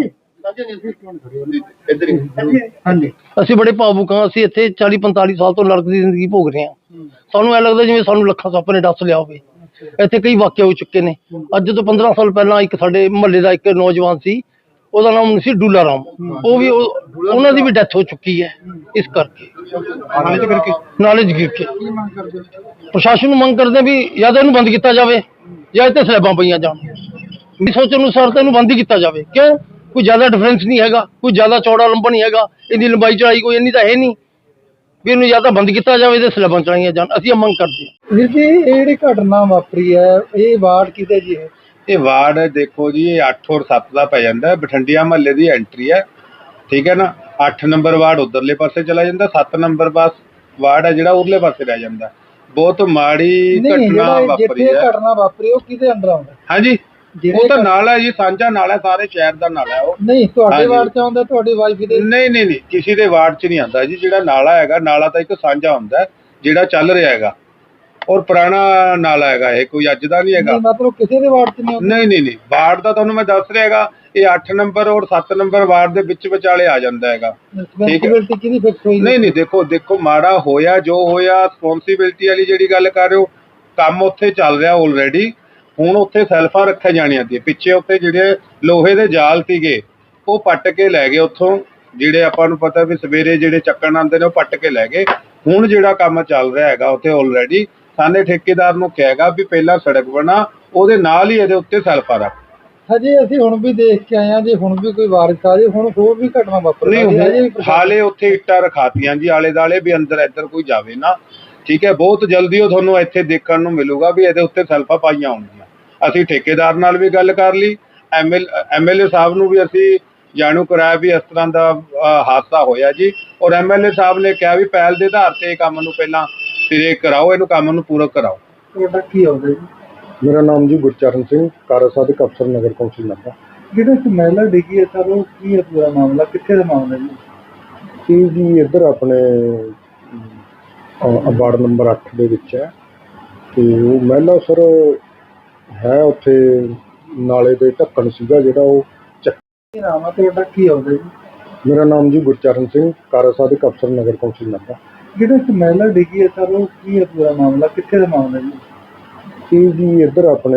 ਹਾਂਜੀ।
ਅਸੀਂ ਬੜੇ ਭਾਵੁਕ ਹਾਂ। ਅਸੀਂ ਇੱਥੇ ਚਾਲੀ ਪੰਤਾਲੀ ਸਾਲ ਤੋਂ ਨਰਕ ਦੀ ਜ਼ਿੰਦਗੀ ਭੋਗ ਰਹੇ ਹਾਂ। ਸਾਨੂੰ ਐ ਲੱਗਦਾ ਜਿਵੇਂ ਸਾਨੂੰ ਲੱਖਾਂ ਸੱਪ ਨੇ ਡੱਸ ਲਿਆ ਹੋਵੇ। ਇੱਥੇ ਕਈ ਵਾਕਿਏ ਹੋ ਚੁੱਕੇ ਨੇ। ਅੱਜ ਤੋਂ ਪੰਦਰਾਂ ਸਾਲ ਪਹਿਲਾਂ ਇੱਕ ਸਾਡੇ ਮੁਹੱਲੇ ਦਾ ਇੱਕ ਨੌਜਵਾਨ ਸੀ, ਉਹਦਾ ਨਾਮ ਸੀ ਡੂਲਾ ਰਾਮ। ਉਹ ਵੀ ਉਹ- ਉਹਨਾਂ ਦੀ ਵੀ ਡੈਥ ਹੋ ਚੁੱਕੀ ਹੈ ਇਸ ਕਰਕੇ,
ਨਾਲੇ ਕਰਕੇ
ਨਾਲੇ 'ਚ ਗਿਰ ਕੇ।
ਕੀ ਮੰਗ ਕਰਦੇ ਹੋ?
ਪ੍ਰਸ਼ਾਸਨ ਨੂੰ ਮੰਗ ਕਰਦੇ ਵੀ ਜਾਂ ਤਾਂ ਇਹਨੂੰ ਬੰਦ ਕੀਤਾ ਜਾਵੇ ਜਾਂ ਇੱਥੇ ਸਲੈਬਾਂ ਪਈਆਂ ਜਾਣ। ਮੇਰੀ ਸੋਚ ਅਨੁਸਾਰ ਤਾਂ ਇਹਨੂੰ ਬੰਦ ਹੀ ਕੀਤਾ ਜਾਵੇ। ਕਿਉਂ? ਕੋਈ ਜ਼ਿਆਦਾ ਡਿਫਰੈਂਸ ਨਹੀਂ ਹੈਗਾ, ਕੋਈ ਜ਼ਿਆਦਾ ਚੌੜਾ ਲੰਬਾ ਨਹੀਂ ਹੈਗਾ, ਇਹਦੀ ਲੰਬਾਈ ਚੌੜਾਈ ਕੋਈ ਇੰਨੀ ਤਾਂ ਹੈ ਨਹੀਂ ਵੀ ਇਹਨੂੰ ਜਾਂ ਤਾਂ ਬੰਦ ਕੀਤਾ ਜਾਵੇ ਤੇ ਸਲੈਬਾਂ ਚੜਾਈਆਂ ਜਾਣ। ਅਸੀਂ ਇਹ ਮੰਗ ਕਰਦੇ ਹਾਂ।
ਵੀਰ ਜੀ, ਇਹ ਜਿਹੜੀ ਘਟਨਾ ਵਾਪਰੀ ਹੈ, ਇਹ ਵਾਰਡ ਕਿਤੇ ਜੀ ਹੈ?
ਇਹ ਵਾਰਡ ਦੇਖੋ ਜੀ, ਇਹ ਅੱਠ ਔਰ ਸੱਤ ਦਾ ਪੈ ਜਾਂਦਾ ਹੈ। ਬਠਿੰਡਿਆ ਮਹੱਲੇ ਦੀ ਐਂਟਰੀ ਹੈ, ਠੀਕ ਹੈ ਨਾ। ਅੱਠ ਨੰਬਰ ਵਾਰਡ ਉਧਰਲੇ ਪਾਸੇ ਚਲਾ ਜਾਂਦਾ, ਸੱਤ ਨੰਬਰ ਬਸ ਵਾਰਡ ਹੈ ਜਿਹੜਾ ਉਰਲੇ ਪਾਸੇ ਰਹਿ ਜਾਂਦਾ। ਬਹੁਤ ਮਾੜੀ
ਨਹੀਂ,
ਘਟਨਾ
ਜਿਹੜਾ
ਵਾਪਰੀ
ਜਿੱਥੇ
ਹੈ।
ਘਟਨਾ ਵਾਪਰੀ ਉਹ ਕਿਹਦੇ ਅੰਡਰ ਆਉਂਦਾ?
ਹਾਂਜੀ
ਜਿਹੜੇ
ਉਹ ਤਾਂ ਨਾਲਾ ਹੈ ਜੀ, ਸਾਂਝਾ ਨਾਲਾ ਹੈ, ਸਾਰੇ ਸ਼ਹਿਰ ਦਾ ਨਾਲਾ ਹੈ ਉਹ।
ਨਹੀਂ, ਤੁਹਾਡੇ
ਹਾਂਜੀ।
ਵਾਰਡ ਚ ਆਉਂਦਾ, ਤੁਹਾਡੀ ਵਾਈਫ ਦੇ?
ਨਹੀਂ ਨਹੀਂ ਨਹੀਂ, ਕਿਸੇ ਦੇ ਵਾਰਡ 'ਚ ਨਹੀਂ ਆਉਂਦਾ ਜੀ। ਜਿਹੜਾ ਨਾਲਾ ਹੈਗਾ, ਨਾਲਾ ਤਾਂ ਇੱਕ ਸਾਂਝਾ ਹੁੰਦਾ ਹੈ ਜਿਹੜਾ ਚੱਲ ਰਿਹਾ ਹੈਗਾ, ਔਰ ਪੁਰਾਣਾ ਨਾਲਾ ਹੈਗਾ, ਇਹ ਕੋਈ ਅੱਜ ਦਾ ਨਹੀਂ ਹੈਗਾ।
ਨਹੀਂ, ਮਤਲਬ ਕਿਸੇ ਦੇ ਵਾਰਡ ਚ ਨਹੀਂ ਆਉਂਦਾ?
ਨਹੀਂ ਨਹੀਂ ਨਹੀਂ, ਵਾਰਡ ਦਾ ਤੁਹਾਨੂੰ ਮੈਂ ਦੱਸ ਰਿਹਾ ਹੈਗਾ, ਇਹ ਅੱਠ ਨੰਬਰ ਔਰ ਸੱਤ ਨੰਬਰ ਵਾਰਡ ਦੇ ਵਿੱਚ ਵਿਚਾਲੇ ਆ ਜਾਂਦਾ ਹੈਗਾ।
ਰਿਸਪੌਂਸਿਬਿਲਟੀ ਕਿਹਦੀ ਫਿਕਸ ਹੋਈ?
ਨਹੀਂ ਨਹੀਂ, ਦੇਖੋ ਦੇਖੋ ਮਾੜਾ ਹੋਇਆ ਜੋ ਹੋਇਆ, ਰਿਸਪੌਂਸਿਬਿਲਟੀ ਵਾਲੀ ਜਿਹੜੀ ਗੱਲ ਕਰ ਰਹੇ ਹੋ, ਕੰਮ ਉੱਥੇ ਚੱਲ ਰਿਹਾ ਆਲਰੇਡੀ। ਹੁਣ ਉੱਥੇ ਸੈਲਫਾਂ ਰੱਖੀਆਂ ਜਾਣੀਆਂ ਸੀ, ਪਿੱਛੇ ਉੱਥੇ ਜਿਹੜੇ ਲੋਹੇ ਦੇ ਜਾਲ ਸੀਗੇ ਉਹ ਪੱਟ ਕੇ ਲੈ ਗਏ ਉੱਥੋਂ। ਜਿਹੜੇ ਆਪਾਂ ਨੂੰ ਪਤਾ ਵੀ ਸਵੇਰੇ ਜਿਹੜੇ ਚੱਕਣ ਆਉਂਦੇ ਨੇ ਉਹ ਪੱਟ ਕੇ ਲੈ ਗਏ। ਹੁਣ ਜਿਹੜਾ ਕੰਮ ਚੱਲ ਰਿਹਾ ਹੈਗਾ ਉੱਥੇ ਆਲਰੇਡੀ, ਸਾਨੇ ਠੇਕੇਦਾਰ ਨੂੰ ਕਹੇਗਾ ਵੀ ਪਹਿਲਾਂ ਸੜਕ ਬਣਾ, ਉਹਦੇ ਨਾਲ ਹੀ ਇਹਦੇ ਉੱਤੇ ਸੈਲਫਾਂ ਰੱਖ।
ਹਜੇ ਅਸੀਂ ਹੁਣ ਵੀ ਦੇਖ ਕੇ ਆਏ ਹਾਂ ਜੀ, ਹੁਣ ਵੀ ਕੋਈ ਵਾਰਿਸ ਆ ਜੇ, ਹੁਣ ਹੋਰ ਵੀ ਘਟਨਾ ਵਾਪਰ
ਨਹੀਂ
ਸਕਦੀ ਹੈ। ਹਜੇ ਵੀ
ਹੁਣ
ਪ੍ਰਸ਼ਾਸਨ-
ਹਾਲੇ ਉੱਥੇ ਇੱਟਾਂ ਰਖਾਤੀਆਂ ਜੀ ਆਲੇ ਦਾਲੇ, ਵੀ ਅੰਦਰ ਇੱਧਰ ਕੋਈ ਜਾਵੇ ਨਾ, ਠੀਕ ਹੈ। ਬਹੁਤ ਜਲਦੀ ਉਹ ਤੁਹਾਨੂੰ ਇੱਥੇ ਦੇਖਣ ਨੂੰ ਮਿਲੂਗਾ ਵੀ ਇਹਦੇ ਉੱਤੇ ਸੈਲਫਾਂ ਪਾਈਆਂ ਹੋਣਗੀਆਂ। ਅਸੀਂ ਠੇਕੇਦਾਰ ਨਾਲ ਵੀ ਗੱਲ ਕਰ ਲਈ, ਐਮਐਲ ਐਮਐਲਏ ਸਾਹਿਬ ਨੂੰ ਵੀ ਅਸੀਂ ਜਾਣੂ ਕਰਾਇਆ ਵੀ ਇਸ ਤਰ੍ਹਾਂ ਦਾ ਅਹ, ਹਾਦਸਾ ਹੋਇਆ ਜੀ। ਔਰ ਐਮਐਲਏ ਸਾਹਿਬ ਨੇ ਕਿਹਾ ਵੀ ਪਹਿਲ ਦੇ ਆਧਾਰ ਤੇ ਇਹ ਕੰਮ ਨੂੰ ਪਹਿਲਾਂ ਸਿਰੇ ਕਰਾਓ, ਇਹਨੂੰ ਕੰਮ ਨੂੰ ਪੂਰਾ ਕਰਾਓ।
ਤੁਹਾਡਾ ਕੀ ਆਉਂਦਾ ਜੀ?
ਮੇਰਾ ਨਾਮ ਜੀ ਗੁਰਚਰਨ ਸਿੰਘ, ਕਾਰਜ ਸਾਧਕ ਅਫਸਰ ਨਗਰ ਕੌਂਸਲ ਨਾਭਾ।
ਜਿਹੜਾ ਇੱਕ ਮਹਿਲਾ ਡਿੱਗੀ ਹੈ ਸਰ, ਉਹ ਕੀ ਹੈ ਪੂਰਾ ਮਾਮਲਾ? ਕਿੱਥੇ ਦਾ ਮਾਮਲਾ ਜੀ?
ਇਹ ਜੀ ਇੱਧਰ ਆਪਣੇ ਅ, ਵਾਰਡ ਨੰਬਰ ਅੱਠ ਦੇ ਵਿੱਚ ਹੈ। ਤੇ ਉਹ ਮਹਿਲਾ ਸਰ ਹੈ ਉੱਥੇ ਨਾਲੇ ਦੇ ਢੱਕਣ ਸੀਗਾ ਜਿਹੜਾ ਉਹ ਚੱਕ।
ਕੀ ਨਾਮ ਹੈ ਤੁਹਾਡਾ? ਕੀ ਆਉਂਦਾ ਜੀ?
ਮੇਰਾ ਨਾਮ ਜੀ ਗੁਰਚਰਨ ਸਿੰਘ, ਕਾਰਜ ਸਾਧਕ ਅਫਸਰ ਨਗਰ ਕੌਂਸਲ ਨਾਭਾ।
ਜਿਹੜਾ ਇੱਕ ਮਹਿਲਾ ਡਿੱਗੀ ਹੈ ਸਰ, ਉਹ ਕੀ ਹੈ ਪੂਰਾ ਮਾਮਲਾ? ਕਿੱਥੇ ਦਾ ਮਾਮਲਾ ਜੀ?
ਇਹ ਜੀ ਇੱਧਰ ਆਪਣੇ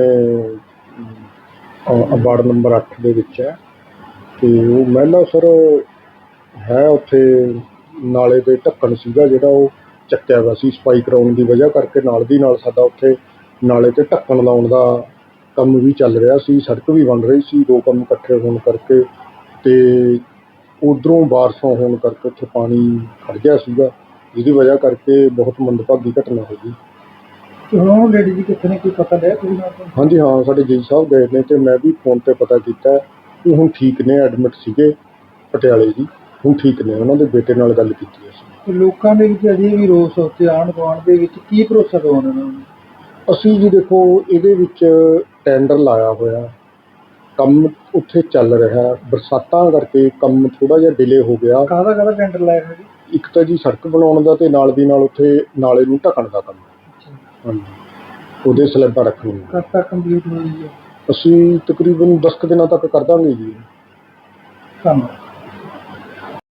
ਅ, ਵਾਰਡ ਨੰਬਰ ਅੱਠ ਦੇ ਵਿੱਚ ਹੈ। ਤੇ ਉਹ ਮਹਿਲਾ ਸਰ ਹੈ ਉੱਥੇ ਨਾਲੇ ਦੇ ਢੱਕਣ ਸੀਗਾ ਜਿਹੜਾ ਉਹ ਚੱਕਿਆ ਹੋਇਆ ਸੀ, ਸਫਾਈ ਕਰਾਉਣ ਦੀ ਵਜ੍ਹਾ ਕਰਕੇ। ਨਾਲ ਦੀ ਨਾਲ ਸਾਡਾ ਉੱਥੇ ਨਾਲੇ ਤੇ ਢੱਕਣ ਲਾਉਣ ਦਾ ਕੰਮ ਵੀ ਚੱਲ ਰਿਹਾ ਸੀ, ਸੜਕ ਵੀ ਬਣ ਰਹੀ ਸੀ। ਦੋ ਕੰਮ ਇਕੱਠੇ ਹੋਣ ਕਰਕੇ ਤੇ ਉਧਰੋਂ ਬਾਰਿਸ਼ਾਂ ਹੋਣ ਕਰਕੇ ਉੱਥੇ ਪਾਣੀ ਖੜ ਗਿਆ ਸੀਗਾ, ਜਿਹਦੀ ਵਜ੍ਹਾ ਕਰਕੇ ਬਹੁਤ ਮੰਦਭਾਗੀ ਘਟਨਾ ਹੋ ਗਈ।
ਤੇ ਹੁਣ ਉਹ ਲੇਡੀ ਜੀ ਕਿੱਥੇ ਨੇ, ਕੋਈ ਪਤਾ ਲਿਆ ਤੁਸੀਂ ਨਾਲ ਤੋਂ?
ਹਾਂਜੀ ਹਾਂ, ਸਾਡੇ ਜੀ ਸਾਹਿਬ ਗਏ ਨੇ ਤੇ ਮੈਂ ਵੀ ਫੋਨ ਤੇ ਪਤਾ ਕੀਤਾ ਕਿ ਹੁਣ ਠੀਕ ਨੇ, ਐਡਮਿਟ ਸੀਗੇ ਪਟਿਆਲੇ ਜੀ, ਹੁਣ ਠੀਕ ਨੇ। ਉਹਨਾਂ ਦੇ ਬੇਟੇ ਨਾਲ ਗੱਲ ਕੀਤੀ ਅਸੀਂ।
ਤੇ ਲੋਕਾਂ ਦੇ ਵਿੱਚ ਅਜੇ ਵੀ ਰੋਸ ਉੱਥੇ ਆਂਢ ਗੁਆਂਢ ਦੇ ਵਿੱਚ ਕੀ ਭਰੋਸਾ ਦਿਵਾਉਣਾ ਉਹਨਾਂ ਨੂੰ?
ਅਸੀਂ ਜੀ ਦੇਖੋ ਇਹਦੇ ਵਿੱਚ ਟੈਂਡਰ ਲਾਇਆ ਹੋਇਆ, ਕੰਮ ਉੱਥੇ ਚੱਲ ਰਿਹਾ, ਬਰਸਾਤਾਂ ਕਰਕੇ ਕੰਮ ਥੋੜਾ ਜਿਹਾ ਡਿਲੇ ਹੋ ਗਿਆ।
ਕਾਹਦਾ ਕਾਹਦਾ ਟੈਂਡਰ ਲਾਇਆ ਹੋਇਆ ਜੀ?
ਇੱਕ ਤਾਂ ਜੀ ਸੜਕ ਬਣਾਉਣ ਦਾ ਤੇ ਨਾਲ ਦੀ ਨਾਲ ਉੱਥੇ ਨਾਲੇ ਨੂੰ ਢੱਕਣ ਦਾ ਕੰਮ। ਹਾਂਜੀ, ਉਹਦੇ ਸਲੈਬਾਂ ਰੱਖਣੀਆਂ।
ਕਦ ਤੱਕ ਕੰਪਲੀਟ ਹੋਈ ਹੈ?
ਅਸੀਂ ਤਕਰੀਬਨ ਦਸ ਕੁ ਦਿਨਾਂ ਤੱਕ ਕਰ ਦਾਂਗੇ ਜੀ।
ਧੰਨਵਾਦ।